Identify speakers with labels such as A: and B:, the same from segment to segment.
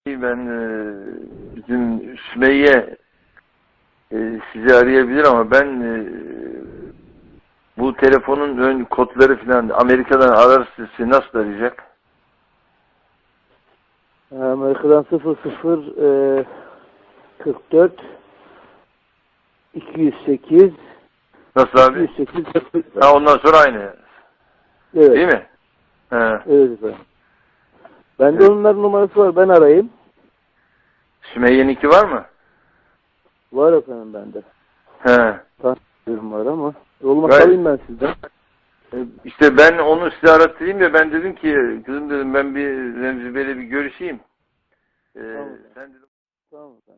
A: Ben bizim Sümeyye sizi arayabilir ama ben bu telefonun ön kodları falan Amerika'dan ararsa sizi nasıl arayacak?
B: Amerika'dan 00 44 208
A: Nasıl abi?
B: 208
A: Ha, ondan sonra aynı.
B: Evet.
A: Değil mi? He.
B: Evet efendim. Bende
A: Evet.
B: onların numarası var. Ben arayayım.
A: Sümeyye'ninki var mı?
B: Var efendim bende.
A: He.
B: Tanıyorum var ama. Olmaz
A: Gayet.
B: alayım ben sizden.
A: İşte ben onu size arattırayım ya, ben dedim ki kızım dedim ben bir Remzi Bey'le bir görüşeyim.
B: Tamam.
A: Sen dedim
B: Tamam efendim.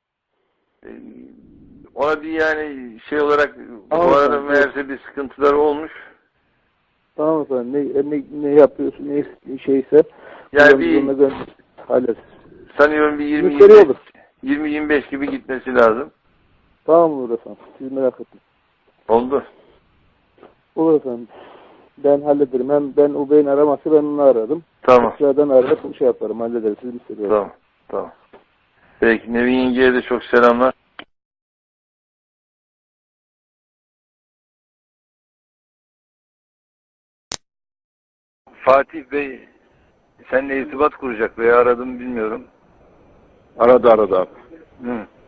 A: ona bir yani şey olarak
B: Tamam
A: bu arada
B: efendim.
A: meğerse bir sıkıntılar olmuş.
B: Tamam efendim. Ne yapıyorsun? Ne şeyse.
A: Yani bir
B: hallederiz.
A: sanıyorum bir
B: Müşteri olur.
A: 20-25 gibi gitmesi lazım.
B: Tamam olur efendim. Siz merak etmeyin.
A: Oldu.
B: Olur efendim. Ben hallederim. Hem ben o beyin araması ben onu aradım.
A: Tamam.
B: Sıradan arayıp şey yaparım. Hallederiz. Siz müşteri olur.
A: Tamam. Tamam. Peki Nevin Yenge'ye de çok selamlar. Fatih Bey seninle irtibat kuracak veya aradım bilmiyorum.
C: Aradı abi.
A: Hı.